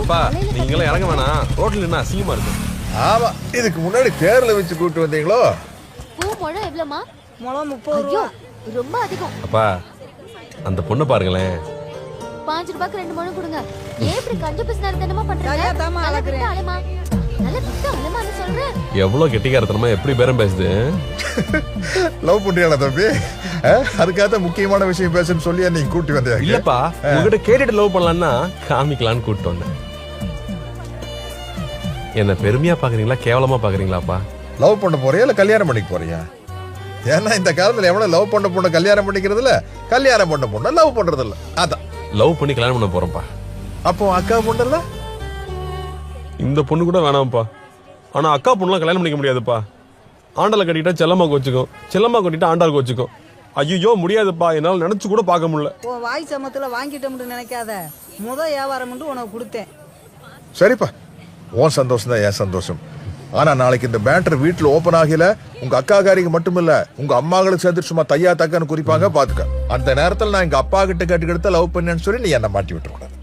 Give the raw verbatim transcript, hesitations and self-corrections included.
அப்பா நீங்களும் இறங்க வேணாம், ரோட்ல என்ன அசிங்கமா இருக்கும். ஆமா, இதுக்கு முன்னாடி தேர்ல வச்சு கூட்டு வந்தீங்களோ? பூ முழம் எவ்வளவுமா? முழம் முப்பது ரூபா. ரொம்ப அதிகம். அப்பா அந்த பொண்ணை பாருங்களேன். பாஞ்சு ரூபாய்க்கு ரெண்டு முழம் கொடுங்க. ஏன் இப்படி கஞ்ச பிசினாரி தனமா பண்றீங்க? சரியா தாமா நல்லா அழகுறேன். விட்டு அலைமா. நல்லா விட்டு அலைமான்னு சொல்றேன். எவ்வளவு கெட்டிக்காரத்தனமா எப்படி பேரம் பேசுது. லவ் பண்றியாடா தம்பி? அதுக்காக முக்கியமான விஷயம் பேசுன்னு சொல்லி நீங்க கூட்டி வந்தீங்க. இல்லப்பா, உங்ககிட்ட கேட்டுட்டு லவ் பண்ணலாம்னா காமிக்கலான்னு கூப்பிட்டு வந்தேன். என்ன பெருமையா பாக்குறீங்களா கேவலமா பாக்குறீங்களாப்பா? லவ் பண்ண போறியா இல்ல கல்யாணம் பண்ணிக்க போறியா? ஏன்னா இந்த காலத்துல எவ்வளவு லவ் பண்ண பொண்ணு கல்யாணம் பண்ணிக்கிறது இல்ல, கல்யாணம் பண்ண பொண்ணு லவ் பண்றது இல்ல. அதான் லவ் பண்ணி கல்யாணம் பண்ண போறோம்ப்பா. அப்போ அக்கா பொண்ணுல இந்த பொண்ணு கூட வேணாம்ப்பா. ஆனா அக்கா பொண்ணுலாம் கல்யாணம் பண்ணிக்க முடியாதுப்பா. ஆண்டால கட்டிட்டா செல்லம்மா கோச்சுக்கும், செல்லம்மா கட்டிட்டா ஆண்டாள் கோச்சுக்கும். ஐயோ முடியாதுப்பா, என்னால நினைச்சு கூட பார்க்க முடியல. உன் வாய் சமத்துல வாங்கிட்டோம்னு நினைக்காத. முத வியாபாரம் உனக்கு கொடுத்தேன். சரிப்பா, உன் சந்தோஷம் தான் என் சந்தோஷம். ஆனா நாளைக்கு இந்த பேட்டர் வீட்டுல ஓபன் ஆகல, உங்க அக்கா காரிக்கு மட்டும் இல்ல உங்க அம்மாங்களுக்கு சேர்த்து சும்மா தையா தக்கான்னு குறிப்பாங்க பாத்துக்க. அந்த நேரத்துல நான் எங்க அப்பா கிட்ட கேட்டுக்கிட்ட லவ் பண்ணேன்னு சொல்லி நீ என்ன மாட்டி விட்டுற கூடாது.